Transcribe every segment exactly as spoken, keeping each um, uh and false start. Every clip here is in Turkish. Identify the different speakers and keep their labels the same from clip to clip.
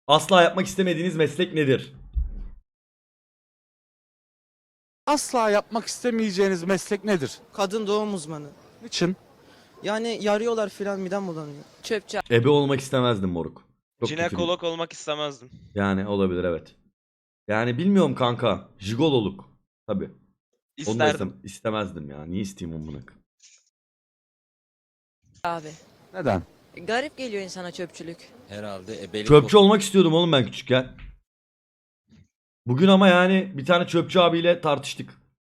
Speaker 1: Asla yapmak istemediğiniz meslek nedir?
Speaker 2: Asla yapmak istemeyeceğiniz meslek nedir?
Speaker 3: Kadın doğum uzmanı.
Speaker 2: Niçin?
Speaker 3: Yani yarıyorlar filan, midem bulanıyor.
Speaker 4: Çöpçü
Speaker 1: Ebe olmak istemezdim moruk. Çok kötü bir-
Speaker 5: Jinekolog olmak istemezdim.
Speaker 1: Yani olabilir, evet. Yani bilmiyorum kanka. Jigololuk. Tabii. Onu da
Speaker 5: İsterdim.
Speaker 1: istem- istemezdim ya. Niye isteyeyim onu?
Speaker 4: abi.
Speaker 2: Neden?
Speaker 4: Garip geliyor insana çöpçülük.
Speaker 6: Herhalde ebelik
Speaker 1: Çöpçü olmak istiyordum oğlum ben küçükken. Bugün ama yani bir tane çöpçü abiyle tartıştık.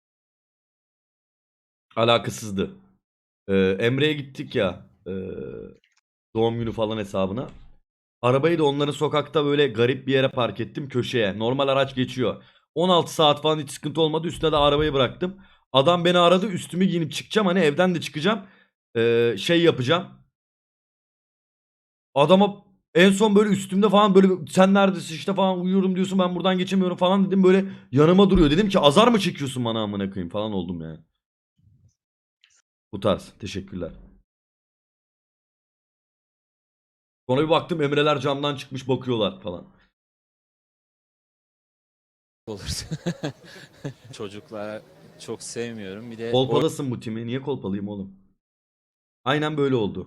Speaker 1: Alakasızdı. Ee, Emre'ye gittik ya. e, doğum günü falan hesabına. Arabayı da onların sokakta böyle garip bir yere park ettim, köşeye. Normal araç geçiyor. on altı saat falan hiç sıkıntı olmadı. Üstüne de arabayı bıraktım. Adam beni aradı. Üstümü giyinip çıkacağım. Hani evden de çıkacağım. Ee, şey yapacağım. Adama en son böyle üstümde falan böyle sen neredesin işte falan uyuyorum diyorsun, ben buradan geçemiyorum falan dedim, böyle yanıma duruyor. Dedim ki azar mı çekiyorsun bana amına koyayım falan oldum yani. Bu tarz. Teşekkürler. Sonra bir baktım Emreler camdan çıkmış bakıyorlar falan.
Speaker 6: olursa. Çocuklara çok sevmiyorum. Bir de
Speaker 1: Kolpalasın bu timi. Niye kolpalayayım oğlum? Aynen böyle oldu.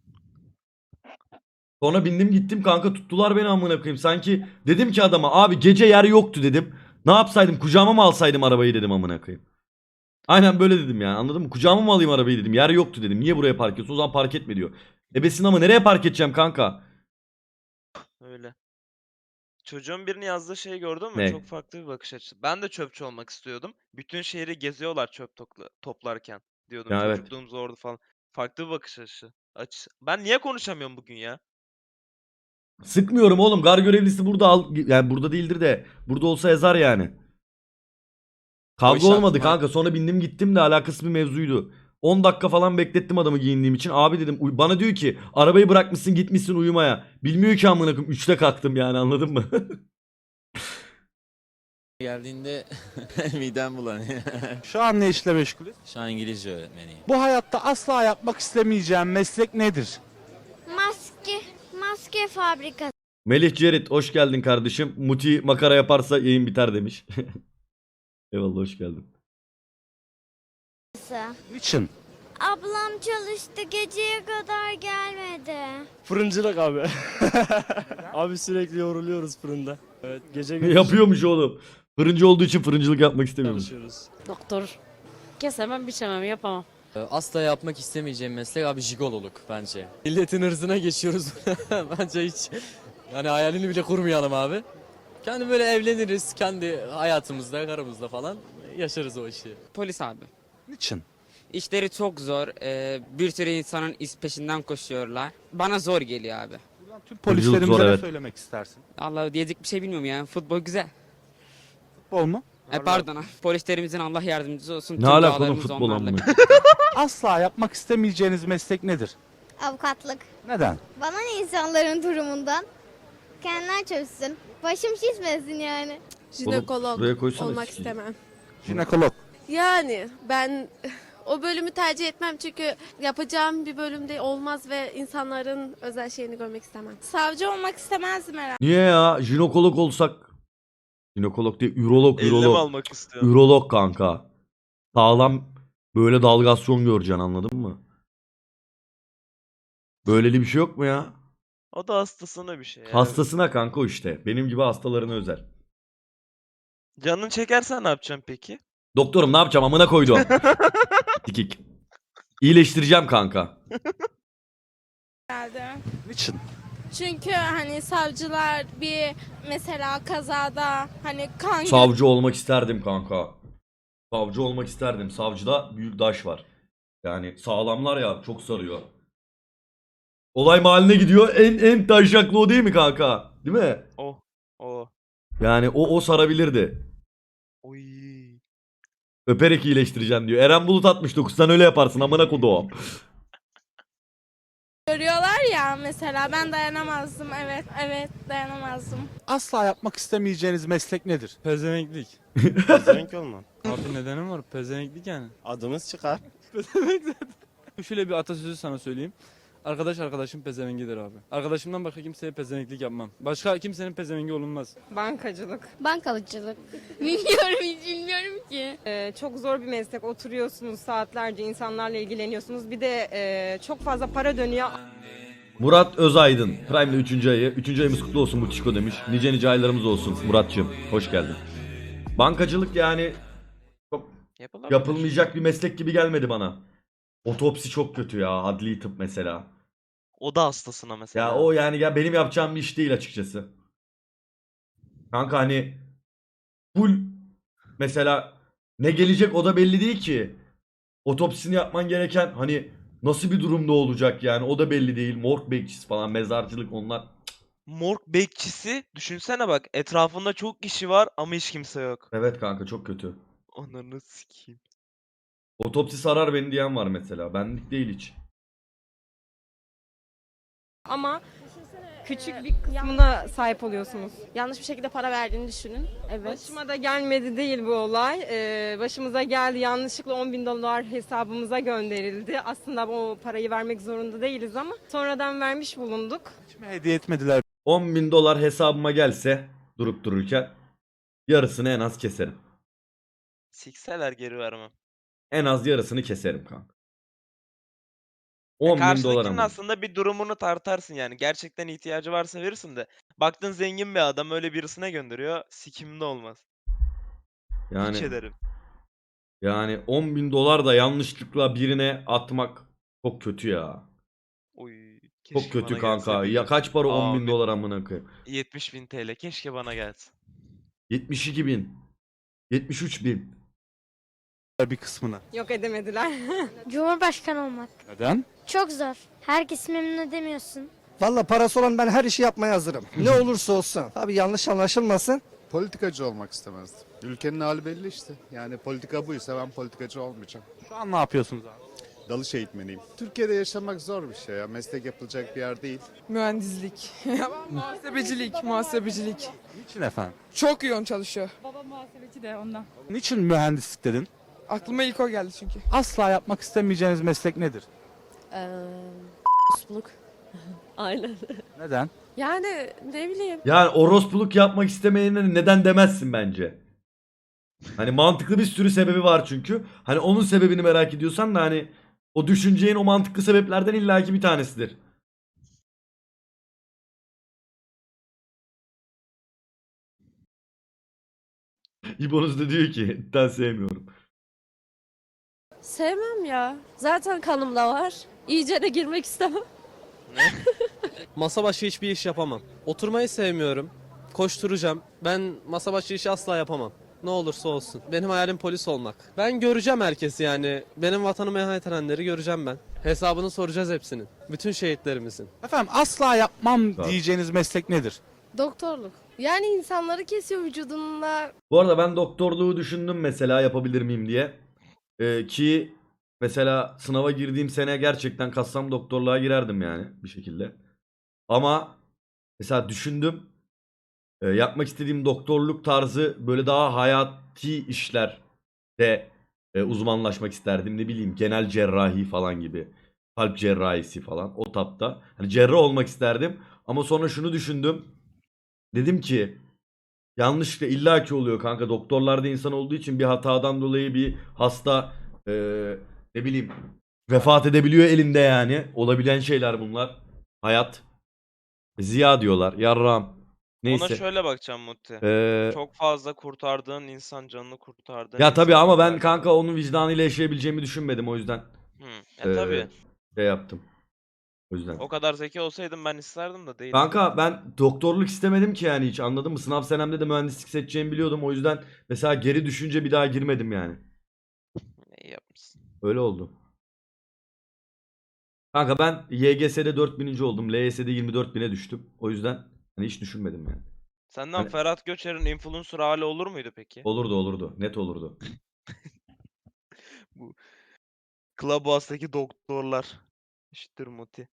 Speaker 1: Sonra bindim gittim kanka, tuttular beni amına koyayım. Sanki dedim ki adama abi gece yer yoktu dedim. Ne yapsaydım, kucağıma mı alsaydım arabayı dedim amına koyayım. Aynen böyle dedim yani, anladın mı? Kucağıma mı alayım arabayı dedim. Yer yoktu dedim. Niye buraya park ediyorsun? O zaman park etme diyor. Ebesin ama nereye park edeceğim kanka?
Speaker 5: Öyle. Çocuğun birini yazdığı şeyi gördün mü?
Speaker 1: Ne?
Speaker 5: Çok farklı bir bakış açısı. Ben de çöpçü olmak istiyordum. Bütün şehri geziyorlar çöp topla- toplarken. Diyordum
Speaker 1: Ya evet.
Speaker 5: çocukluğum zordu falan. Farklı bir bakış açısı. Açısı. Ben niye konuşamıyorum bugün ya?
Speaker 1: Sıkmıyorum oğlum. Gar görevlisi burada al, yani burada değildir de burada olsa yazar yani. Kavga
Speaker 6: iş
Speaker 1: olmadı
Speaker 6: aklıma-
Speaker 1: kanka. Sonra bindim gittim de alakasız bir mevzuydu. on dakika falan beklettim adamı giyindiğim için. Abi dedim, uy- bana diyor ki arabayı bırakmışsın gitmişsin uyumaya. Bilmiyor ki amına koyayım. üçte kalktım yani, anladın mı?
Speaker 6: geldiğinde midem bulanıyor.
Speaker 2: Şu an ne işle meşgulüz?
Speaker 6: Şu an İngilizce öğretmeniyim.
Speaker 2: Bu hayatta asla yapmak istemeyeceğim meslek nedir?
Speaker 7: Maske, maske fabrikası.
Speaker 1: Melih Cerit hoş geldin kardeşim. Muti makara yaparsa yayın biter demiş. Eyvallah, hoş geldin.
Speaker 2: Niçin?
Speaker 7: Ablam çalıştı, geceye kadar gelmedi.
Speaker 8: Fırıncılık abi. Abi sürekli yoruluyoruz fırında. Evet, gece gündüz
Speaker 1: Yapıyormuş oğlum. Fırıncı olduğu için fırıncılık yapmak istemiyormuş.
Speaker 8: çalışıyoruz.
Speaker 9: Doktor. Kesemem, biçemem, yapamam.
Speaker 10: Asla yapmak istemeyeceğim meslek abi jigololuk bence. Milletin hırzına geçiyoruz. Bence hiç yani hayalini bile kurmayalım abi. Kendi böyle evleniriz kendi hayatımızda, karımızla falan yaşarız o işi.
Speaker 11: Polis abi.
Speaker 2: Niçin?
Speaker 11: İşleri çok zor. Ee, bir sürü insanın iz peşinden koşuyorlar. Bana zor geliyor abi.
Speaker 2: Buradan tüm
Speaker 1: Fırıncılık
Speaker 2: polislerimize
Speaker 1: zor,
Speaker 2: ne
Speaker 1: evet.
Speaker 2: söylemek istersin?
Speaker 11: Allah diyecek bir şey bilmiyorum ya. Futbol güzel.
Speaker 2: Futbol mu?
Speaker 11: E, pardon abi. Polislerimizin Allah yardımcısı olsun.
Speaker 1: Ne
Speaker 11: Tüm
Speaker 1: alaka oğlum
Speaker 11: dualarımız
Speaker 1: futbol
Speaker 11: onlarla.
Speaker 1: amına?
Speaker 2: Asla yapmak istemeyeceğiniz meslek nedir?
Speaker 7: Avukatlık.
Speaker 2: Neden?
Speaker 7: Bana ne insanların durumundan? Kendiler çözsün. Başım şişmesin yani.
Speaker 1: Jinekolog buraya koysana
Speaker 12: olmak
Speaker 1: sikeyim.
Speaker 12: istemem.
Speaker 2: Jinekolog.
Speaker 12: Yani ben o bölümü tercih etmem çünkü yapacağım bir bölümde olmaz ve insanların özel şeyini görmek istemem. Savcı olmak istemezdim herhalde.
Speaker 1: Niye ya? Jinekolog olsak. Jinekolog değil, ürolog,
Speaker 5: Elleme
Speaker 1: ürolog.
Speaker 5: almak istiyorum.
Speaker 1: Ürolog kanka. Sağlam böyle dalgasyon göreceksin, anladın mı? Böyleli bir şey yok mu ya?
Speaker 5: O da hastasına bir şey ya.
Speaker 1: Hastasına kanka o işte. Benim gibi hastalarına özel.
Speaker 5: Canın çekersen ne yapacaksın peki?
Speaker 1: Doktorum ne yapacağım amına koydum. Dikik. İyileştireceğim kanka.
Speaker 12: Herhalde.
Speaker 2: Niçin?
Speaker 12: Çünkü hani savcılar bir mesela kazada hani kan
Speaker 1: Savcı olmak isterdim kanka. Savcı olmak isterdim. Savcıda büyük daş var. Yani sağlamlar ya, çok sarıyor. Olay mahalline gidiyor. En en taşaklı o değil mi kanka? Değil mi?
Speaker 5: O. O.
Speaker 1: Yani o o sarabilirdi.
Speaker 5: Oy.
Speaker 1: Öperek iyileştireceğim diyor. Eren Bulut altmış dokuz, sen öyle yaparsın amına koduğum.
Speaker 12: görüyorlar ya mesela ben dayanamazdım evet evet dayanamazdım.
Speaker 2: Asla yapmak istemeyeceğiniz meslek nedir?
Speaker 8: Pezevenklik. Pezevenk olma.
Speaker 10: Abi nedenim var pezevenklik yani.
Speaker 8: Adımız çıkar.
Speaker 10: Şöyle bir atasözü sana söyleyeyim.
Speaker 8: Arkadaş arkadaşım pezevengidir abi. Arkadaşımdan başka kimseye pezevenklik yapmam. Başka kimsenin pezevengi olunmaz.
Speaker 12: Bankacılık.
Speaker 7: Bankalıcılık. Bilmiyorum hiç bilmiyorum ki.
Speaker 12: Ee, çok zor bir meslek. Oturuyorsunuz saatlerce insanlarla ilgileniyorsunuz. Bir de e, çok fazla para dönüyor.
Speaker 1: Murat Özaydın. Prime'de üçüncü ayı. üçüncü ayımız kutlu olsun Mutişko demiş. Nice nice aylarımız olsun Murat'cığım. Hoş geldin. Bankacılık yani çok
Speaker 5: Yapılabilir.
Speaker 1: yapılmayacak bir meslek gibi gelmedi bana. Otopsi çok kötü ya. Adli tıp mesela.
Speaker 5: Oda hastasına mesela.
Speaker 1: Ya o yani ya benim yapacağım bir iş değil açıkçası. Kanka hani full mesela ne gelecek o da belli değil ki. Otopsisini yapman gereken hani nasıl bir durumda olacak yani o da belli değil. Morg bekçisi falan, mezarcılık onlar.
Speaker 5: Morg bekçisi düşünsene bak etrafında çok kişi var ama hiç kimse yok.
Speaker 1: Evet kanka çok kötü.
Speaker 5: Ananı sikeyim.
Speaker 1: Otopsi sarar beni diyen var mesela. Benlik değil hiç.
Speaker 12: Ama küçük bir kısmına sahip oluyorsunuz. Yanlış bir şekilde para verdiğini düşünün. Evet. Başıma da gelmedi değil bu olay. Ee, başımıza geldi. Yanlışlıkla on bin dolar hesabımıza gönderildi. Aslında o parayı vermek zorunda değiliz ama sonradan vermiş bulunduk.
Speaker 2: Hiç mi hediye etmediler?
Speaker 1: on bin dolar hesabıma gelse durup dururken yarısını en az keserim.
Speaker 5: Sikseler geri vermem.
Speaker 1: En az yarısını keserim kanka.
Speaker 5: Ya
Speaker 1: on bin dolar
Speaker 5: karşıdakinin
Speaker 1: ama.
Speaker 5: aslında bir durumunu tartarsın yani. Gerçekten ihtiyacı varsa verirsin de. Baktın zengin bir adam öyle birisine gönderiyor. Sikimde olmaz. Hiç
Speaker 1: Yani
Speaker 5: ederim.
Speaker 1: yani on bin dolar da yanlışlıkla birine atmak çok kötü ya.
Speaker 5: Oy.
Speaker 1: Çok
Speaker 5: Keşke
Speaker 1: kötü
Speaker 5: bana
Speaker 1: kanka.
Speaker 5: gelse bir
Speaker 1: Ya
Speaker 5: gün.
Speaker 1: kaç para on bin
Speaker 5: Amin.
Speaker 1: dolar amına koyayım.
Speaker 5: yetmiş bin T L. Keşke bana gelsin.
Speaker 1: yetmiş iki bin. yetmiş üç bin.
Speaker 2: Bir kısmını.
Speaker 12: Yok edemediler.
Speaker 7: Cumhurbaşkanı olmak.
Speaker 2: Neden?
Speaker 7: Çok zor. Herkes memnun edemiyorsun.
Speaker 3: Valla parası olan ben her işi yapmaya hazırım. Ne olursa olsun. Tabii yanlış anlaşılmasın.
Speaker 13: Politikacı olmak istemezdim. Ülkenin hali belli işte. Yani politika buysa ben politikacı olmayacağım.
Speaker 2: Şu an ne yapıyorsunuz abi?
Speaker 13: Dalış eğitmeniyim. Türkiye'de yaşamak zor bir şey ya. Meslek yapılacak bir yer değil.
Speaker 12: Mühendislik. muhasebecilik, muhasebecilik.
Speaker 2: Niçin efendim?
Speaker 12: Çok yoğun çalışıyor.
Speaker 2: Niçin mühendislik dedin?
Speaker 12: Aklıma ilk o geldi çünkü.
Speaker 2: Asla yapmak istemeyeceğiniz meslek nedir?
Speaker 9: Aynen.
Speaker 2: Neden?
Speaker 12: Yani ne bileyim.
Speaker 1: Yani orospuluk yapmak istemeyene neden demezsin bence. Hani mantıklı bir sürü sebebi var çünkü. Hani onun sebebini merak ediyorsan da hani o düşüneceğin o mantıklı sebeplerden illaki bir tanesidir. İbonuz da diyor ki etten sevmiyorum.
Speaker 9: Sevmem ya. Zaten kanımda var. İyice de girmek istemem.
Speaker 10: Masa başı hiçbir iş yapamam. Oturmayı sevmiyorum. Koşturacağım. Ben masa başı işi asla yapamam. Ne olursa olsun. Benim hayalim polis olmak. Ben göreceğim herkesi yani. Benim vatanıma ihanet edenleri göreceğim ben. Hesabını soracağız hepsinin. Bütün şehitlerimizin.
Speaker 2: Efendim asla yapmam
Speaker 1: Tamam.
Speaker 2: diyeceğiniz meslek nedir?
Speaker 12: Doktorluk. Yani insanları kesiyor vücudunda.
Speaker 1: Bu arada ben doktorluğu düşündüm mesela yapabilir miyim diye. Ee, ki mesela sınava girdiğim sene gerçekten kassam doktorluğa girerdim yani bir şekilde. Ama mesela düşündüm. Ee, yapmak istediğim doktorluk tarzı böyle daha hayati işlerde e, uzmanlaşmak isterdim. Ne bileyim genel cerrahi falan gibi. Kalp cerrahisi falan o tapta. Hani cerrah olmak isterdim. Ama sonra şunu düşündüm. Dedim ki yanlışlıkla illaki oluyor kanka. Doktorlar da insan olduğu için bir hatadan dolayı bir hasta e, ne bileyim vefat edebiliyor elinde yani. Olabilen şeyler bunlar. Hayat. Ziya diyorlar. Yarram. Neyse.
Speaker 5: Ona şöyle bakacağım Mutti.
Speaker 1: Ee,
Speaker 5: Çok fazla kurtardığın insan canını kurtardığın
Speaker 1: ya tabii
Speaker 5: insan
Speaker 1: ama ben
Speaker 5: var.
Speaker 1: kanka onun vicdanıyla yaşayabileceğimi düşünmedim o yüzden.
Speaker 5: Hı. E
Speaker 1: ee,
Speaker 5: tabii.
Speaker 1: Şey yaptım. O yüzden.
Speaker 5: O kadar zeki olsaydım ben isterdim de değil.
Speaker 1: Kanka ben doktorluk istemedim ki yani hiç anladın mı? Sınav senemde de mühendislik seçeceğimi biliyordum. O yüzden mesela geri düşünce bir daha girmedim yani.
Speaker 5: İyi yapmışsın.
Speaker 1: Öyle oldu. Kanka ben Y G S'de dört bininci oldum. L Y S'de yirmi dört bine düştüm. O yüzden hani hiç düşünmedim yani.
Speaker 5: Senden
Speaker 1: Hani-
Speaker 5: Ferhat Göçer'in influencer hali olur muydu peki?
Speaker 1: Olurdu olurdu. Net olurdu.
Speaker 5: Bu Clubhouse'daki doktorlar. İşittir Muti.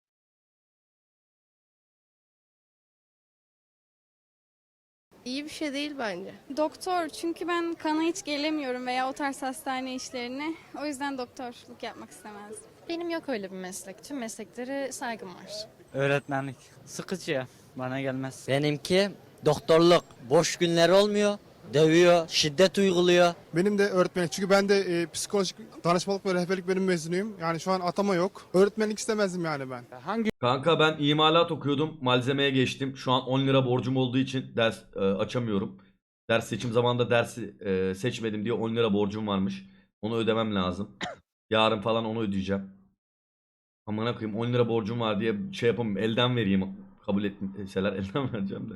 Speaker 12: İyi bir şey değil bence.
Speaker 7: Doktor çünkü ben kana hiç gelemiyorum veya o tarz hastane işlerine. O yüzden doktorluk yapmak istemezdim.
Speaker 9: Benim yok öyle bir meslek. Tüm mesleklere saygım var.
Speaker 10: Öğretmenlik. Sıkıcı. Bana gelmez.
Speaker 3: Benimki doktorluk. Boş günler olmuyor. Dövüyor, şiddet uyguluyor.
Speaker 8: Benim de öğretmenlik. Çünkü ben de e, psikolojik danışmanlık ve rehberlik bölüm mezunuyum. Yani şu an atama yok. Öğretmenlik istemezdim yani ben.
Speaker 2: Hangi
Speaker 1: Kanka ben imalat okuyordum. Malzemeye geçtim. Şu an on lira borcum olduğu için ders e, açamıyorum. Ders seçim zamanında dersi e, seçmedim diye on lira borcum varmış. Onu ödemem lazım. Yarın falan onu ödeyeceğim. Amına koyayım on lira borcum var diye şey yapamam. Elden vereyim. Kabul etseler elden vereceğim de.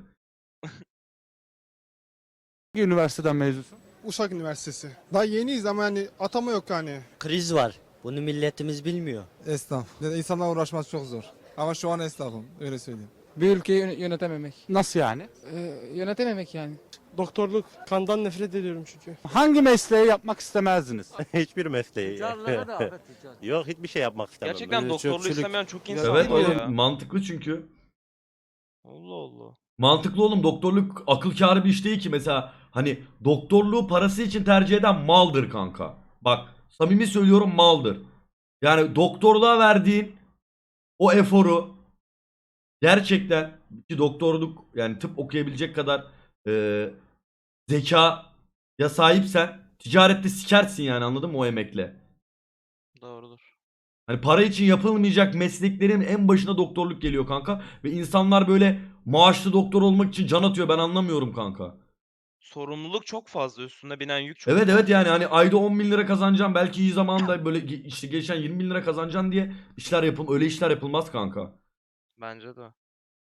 Speaker 2: üniversiteden mezunsun?
Speaker 8: Uşak Üniversitesi. Daha yeniyiz ama yani atama yok yani.
Speaker 3: Kriz var. Bunu milletimiz bilmiyor.
Speaker 8: Esnaf. İnsanlarla uğraşması çok zor. Ama şu an esnafım. Öyle söyleyeyim.
Speaker 10: Bir ülkeyi yönetememek.
Speaker 2: Nasıl yani?
Speaker 10: yönetememek yani.
Speaker 8: Doktorluk. Kandan nefret ediyorum çünkü.
Speaker 2: Hangi mesleği yapmak istemezdiniz?
Speaker 13: Hiçbir mesleği. Yok hiçbir şey yapmak istemem.
Speaker 5: Gerçekten doktorluğu istemeyen çok insan
Speaker 1: Evet
Speaker 5: var
Speaker 1: oğlum
Speaker 5: ya.
Speaker 1: mantıklı çünkü.
Speaker 5: Allah Allah.
Speaker 1: Mantıklı oğlum doktorluk akıl kârı bir iş değil ki mesela hani doktorluğu parası için tercih eden maldır kanka. Bak samimi söylüyorum maldır. Yani doktorluğa verdiğin o eforu gerçekten ki doktorluk yani tıp okuyabilecek kadar e, zeka ya sahipsen ticarette sikersin yani anladın mı o emekle.
Speaker 5: Doğrudur.
Speaker 1: Hani para için yapılmayacak mesleklerin en başına doktorluk geliyor kanka. Ve insanlar böyle maaşlı doktor olmak için can atıyor ben anlamıyorum kanka.
Speaker 5: Sorumluluk çok fazla. Üstüne binen yük çok
Speaker 1: Evet
Speaker 5: fazla.
Speaker 1: evet yani hani ayda on bin lira kazanacağım belki iyi zamanda böyle ge- işte geçen yirmi bin lira kazanacaksın diye işler yapıl öyle işler yapılmaz kanka.
Speaker 5: Bence de.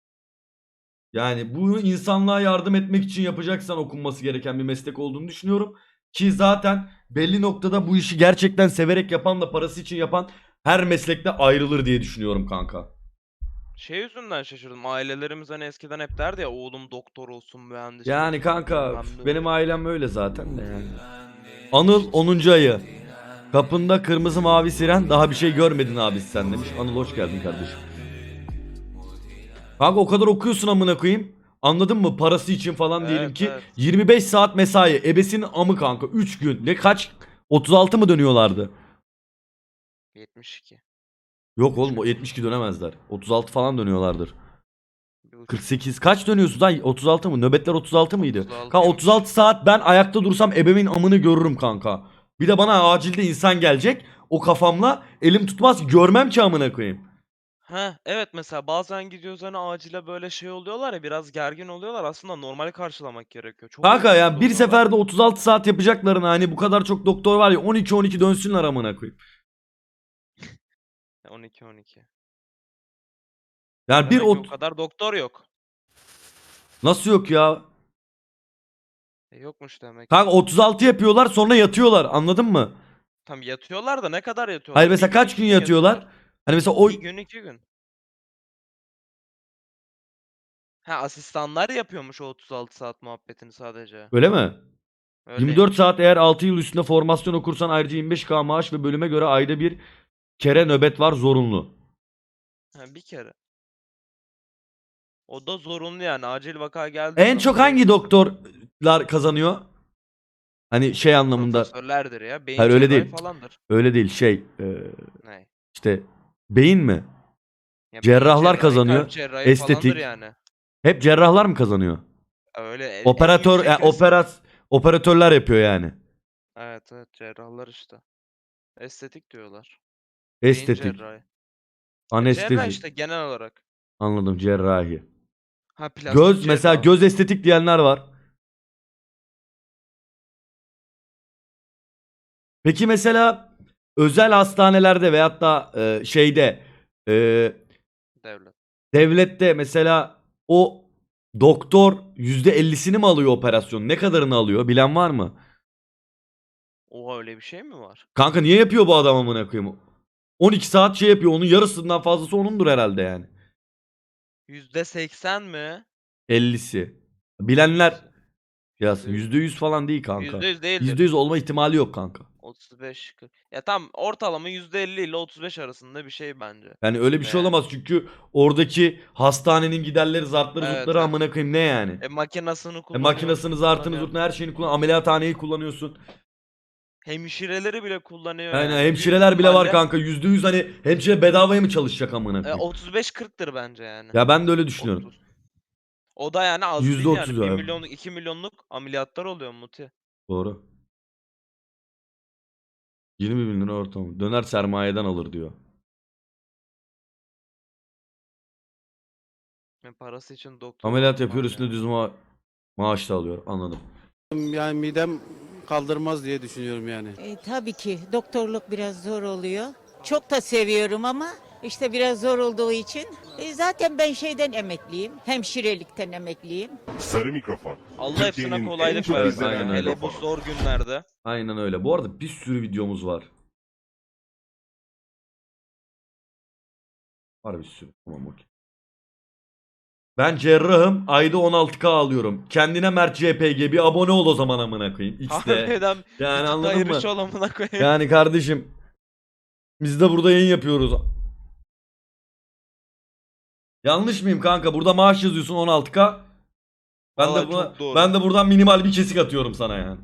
Speaker 1: Yani bu insanlığa yardım etmek için yapacaksan okunması gereken bir meslek olduğunu düşünüyorum. Ki zaten belli noktada bu işi gerçekten severek yapan da parası için yapan her meslekte ayrılır diye düşünüyorum kanka.
Speaker 5: Şey yüzünden şaşırdım. Ailelerimiz hani eskiden hep derdi ya oğlum doktor olsun, mühendis
Speaker 1: Yani
Speaker 5: olsun,
Speaker 1: kanka
Speaker 5: bilmem ne
Speaker 1: benim
Speaker 5: olsun.
Speaker 1: ailem öyle zaten de yani. Anıl onuncu ayı. Kapında kırmızı mavi siren daha bir şey görmedin abi sen demiş. Anıl hoş geldin kardeşim. Kanka o kadar okuyorsun amına koyayım. Anladın mı? Parası için falan diyelim
Speaker 5: Evet,
Speaker 1: ki
Speaker 5: evet.
Speaker 1: yirmi beş saat mesai. Ebesinin amı kanka. üç gün. Ne kaç? otuz altı mı dönüyorlardı?
Speaker 5: yetmiş iki.
Speaker 1: Yok oğlum o yetmiş iki dönemezler. otuz altı falan dönüyorlardır.
Speaker 5: Bir buçuk.
Speaker 1: kırk sekiz kaç dönüyorsun lan? otuz altı mı? Nöbetler otuz altı mıydı?
Speaker 5: otuz altı
Speaker 1: Kanka
Speaker 5: ymış.
Speaker 1: otuz altı saat ben ayakta dursam ebemin amını görürüm kanka. Bir de bana acilde insan gelecek. O kafamla elim tutmaz görmem ki amına koyayım.
Speaker 5: Ha evet, mesela bazen gidiyoruz hani acile böyle şey oluyorlar ya, biraz gergin oluyorlar, aslında normal karşılamak gerekiyor. Çok
Speaker 1: Kanka
Speaker 5: huysuz
Speaker 1: ya bir
Speaker 5: oluyorlar.
Speaker 1: seferde otuz altı saat yapacaklarına hani bu kadar çok doktor var ya on iki on iki dönsünler amına koyayım.
Speaker 5: on iki on iki.
Speaker 1: Yani bir
Speaker 5: Demek ki
Speaker 1: ot
Speaker 5: o kadar doktor yok.
Speaker 1: nasıl yok ya?
Speaker 5: E, yokmuş demek.
Speaker 1: Kanka otuz altı yapıyorlar sonra yatıyorlar anladın mı?
Speaker 5: Tam yatıyorlar da ne kadar yatıyorlar?
Speaker 1: Hayır
Speaker 5: Bir
Speaker 1: mesela kaç
Speaker 5: iki
Speaker 1: gün yatıyorlar? Hani mesela o
Speaker 5: Bir gün iki gün. Ha, asistanlar yapıyormuş o otuz altı saat muhabbetini sadece.
Speaker 1: öyle mi?
Speaker 5: Öyle.
Speaker 1: yirmi dört saat eğer altı yıl üstünde formasyon okursan ayrıca yirmi beş bin maaş ve bölüme göre ayda bir kere nöbet var zorunlu.
Speaker 5: Ha, bir kere. O da zorunlu yani. Acil vaka geldiği
Speaker 1: En
Speaker 5: zaman
Speaker 1: çok
Speaker 5: direkt
Speaker 1: hangi doktorlar kazanıyor? Hani şey anlamında.
Speaker 5: profesörlerdir ya. Beyin
Speaker 1: Hayır, öyle
Speaker 5: cerrahi
Speaker 1: değil.
Speaker 5: falandır.
Speaker 1: Öyle değil şey e,
Speaker 5: Ne?
Speaker 1: işte beyin mi?
Speaker 5: Ya beyin
Speaker 1: Cerrahlar
Speaker 5: cerrahi,
Speaker 1: kazanıyor,
Speaker 5: kalp cerrahi
Speaker 1: estetik.
Speaker 5: falandır yani.
Speaker 1: Hep cerrahlar mı kazanıyor?
Speaker 5: Öyle en- en
Speaker 1: Operatör
Speaker 5: yüksek
Speaker 1: yani
Speaker 5: risk-
Speaker 1: operat operatörler yapıyor yani.
Speaker 5: Evet evet, cerrahlar işte. Estetik diyorlar. Beyin
Speaker 1: Estetik,
Speaker 5: cerrahi. Ya
Speaker 1: anestezi.
Speaker 5: cerrah işte genel olarak.
Speaker 1: Anladım cerrahi.
Speaker 5: Ha, plastik
Speaker 1: Göz mesela
Speaker 5: cerrah.
Speaker 1: göz estetik diyenler var. Peki mesela özel hastanelerde veyahut da e, şeyde e,
Speaker 5: Devlet.
Speaker 1: devlette mesela o doktor yüzde ellisini mi alıyor operasyonun? Ne kadarını alıyor? Bilen var mı?
Speaker 5: Oha, öyle bir şey mi var?
Speaker 1: Kanka niye yapıyor bu adam amına koyayım? on iki saat şey yapıyor. Onun yarısından fazlası onundur herhalde yani.
Speaker 5: yüzde seksen mi?
Speaker 1: ellisi. Bilenler yazsın. yüzde yüz falan değil kanka.
Speaker 5: yüzde yüz değildir.
Speaker 1: yüzde yüz olma ihtimali yok kanka.
Speaker 5: otuz beş kırk. Ya tam ortalama yüzde elli ile otuz beş arasında bir şey bence.
Speaker 1: Yani öyle bir şey
Speaker 5: Yani.
Speaker 1: olamaz çünkü oradaki hastanenin giderleri, zartları,
Speaker 5: Evet,
Speaker 1: zurtları
Speaker 5: evet.
Speaker 1: amına koyayım ne yani?
Speaker 5: E makinasını
Speaker 1: E,
Speaker 5: kullanıyor.
Speaker 1: makinasını, zartını, zurtunu her şeyini kullan. Ameliyathaneyi kullanıyorsun.
Speaker 5: Hemşireleri bile kullanıyor
Speaker 1: Aynen
Speaker 5: yani. Büyük
Speaker 1: hemşireler bile var
Speaker 5: ihtimalle,
Speaker 1: kanka. Yüzde yüz hani hemşire bedavaya mı çalışacak amına
Speaker 5: e,
Speaker 1: koyayım?
Speaker 5: otuz beş kırktır bence yani.
Speaker 1: Ya ben de öyle düşünüyorum.
Speaker 5: otuz. O da yani az
Speaker 1: Yüzde
Speaker 5: değil
Speaker 1: otuz
Speaker 5: yani. bir
Speaker 1: ya.
Speaker 5: milyonluk iki milyonluk ameliyatlar oluyor Muti.
Speaker 1: Doğru. yirmi bin lira ortamı. Döner sermayeden alır diyor.
Speaker 5: Yani parası için doktor.
Speaker 1: Ameliyat yapıyor üstüne düz ma maaş da alıyor. Anladım.
Speaker 10: Yani midem kaldırmaz diye düşünüyorum yani.
Speaker 4: E, tabii ki doktorluk biraz zor oluyor. Çok da seviyorum ama işte biraz zor olduğu için. E, zaten ben şeyden emekliyim. Hemşirelikten emekliyim.
Speaker 13: Sarı mikrofon.
Speaker 5: Allah hepsine
Speaker 13: Türkiye'nin en
Speaker 5: kolaylık
Speaker 13: çok
Speaker 5: versin.
Speaker 1: izlenen
Speaker 5: yani. Hele bu
Speaker 13: mikrofonu.
Speaker 5: zor günlerde.
Speaker 1: Aynen öyle. Bu arada bir sürü videomuz var. Var bir sürü. Tamam okey. Ben cerrahım. Ayda on altı K alıyorum. Kendine Mert C P G bir abone ol o zaman amına koyayım. X'de.
Speaker 5: Harbiden
Speaker 1: Yani anladın mı?
Speaker 5: ayrış olamına koyayım.
Speaker 1: Yani kardeşim biz de burada yayın yapıyoruz. Yanlış mıyım kanka? Burada maaş yazıyorsun on altı K. Ben
Speaker 5: Vallahi
Speaker 1: de buna,
Speaker 5: çok doğru.
Speaker 1: ben de buradan minimal bir kesik atıyorum sana yani.